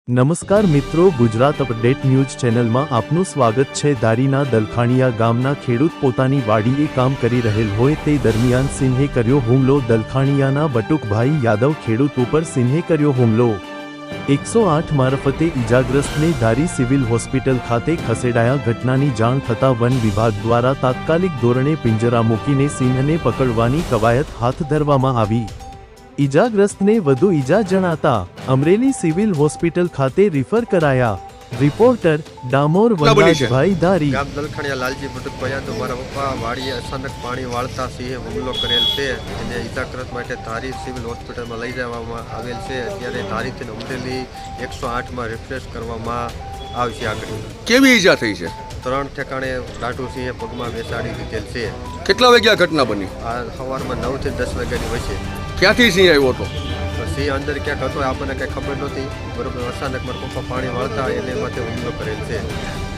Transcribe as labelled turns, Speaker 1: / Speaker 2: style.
Speaker 1: નમસ્કાર મિત્રો, Gujarat update news ચેનલમાં આપનું સ્વાગત છે। ધારીના દલખાણીયા ગામના ખેડૂત પોતાની વાડીએ કામ કરી રહેલ હોય તે દરમિયાન સિંહે કર્યો હુમલો। દલખાણીયાના બટુકભાઈ યાદવ ખેડૂત ઉપર સિંહે કર્યો હુમલો। 108 મારફતે ઈજાગ્રસ્તને ધારી સિવિલ હોસ્પિટલ ખાતે ખસેડાયા। ઘટનાની જાણ થતાં વન વિભાગ દ્વારા તાત્કાલિક ધોરણે પિંજરા મૂકીને સિંહને પકડવાની કવાયત હાથ ધરવામાં આવી। ઈજાગ્રસ્તને વધુ ઈજા જણાતા અમરેલી સિવિલ હોસ્પિટલ ખાતે રિફર કરાયા। રિપોર્ટર ડામોર વનરાજભાઈ ધારી।
Speaker 2: ગામ દલખાણીયા લાલજી બટુકભાઈ તો મારા પપ્પા વાડીએ અચાનક પાણી વાળતા સિંહે હુમલો કરેલ છે। એને ઈજાગ્રસ્ત માટે ધારી સિવિલ હોસ્પિટલમાં લઈ જવામાં આવેલ છે। અત્યારે ધારીથી અમરેલી 108માં રિફ્રેશ કરવામાં આવશે। આગળ
Speaker 3: કેવી ઈજા થઈ છે?
Speaker 2: 3 ઠેકાણે દાઢુ સિંહે પગમાં બેસાડી દીધેલ છે।
Speaker 3: કેટલા વાગ્યા ઘટના બની?
Speaker 2: આ સવારમાં 9 થી 10 વાગ્યાની વચ્ચે।
Speaker 3: ક્યાંથી સિંહ આવ્યો હતો?
Speaker 2: સિંહ અંદર ક્યાંક હતો, આપણને કંઈ ખબર નહોતી। બરોબર, અચાનક મારા પપ્પા પાણી વાળતા એને માથે હુમલો કરેલ છે।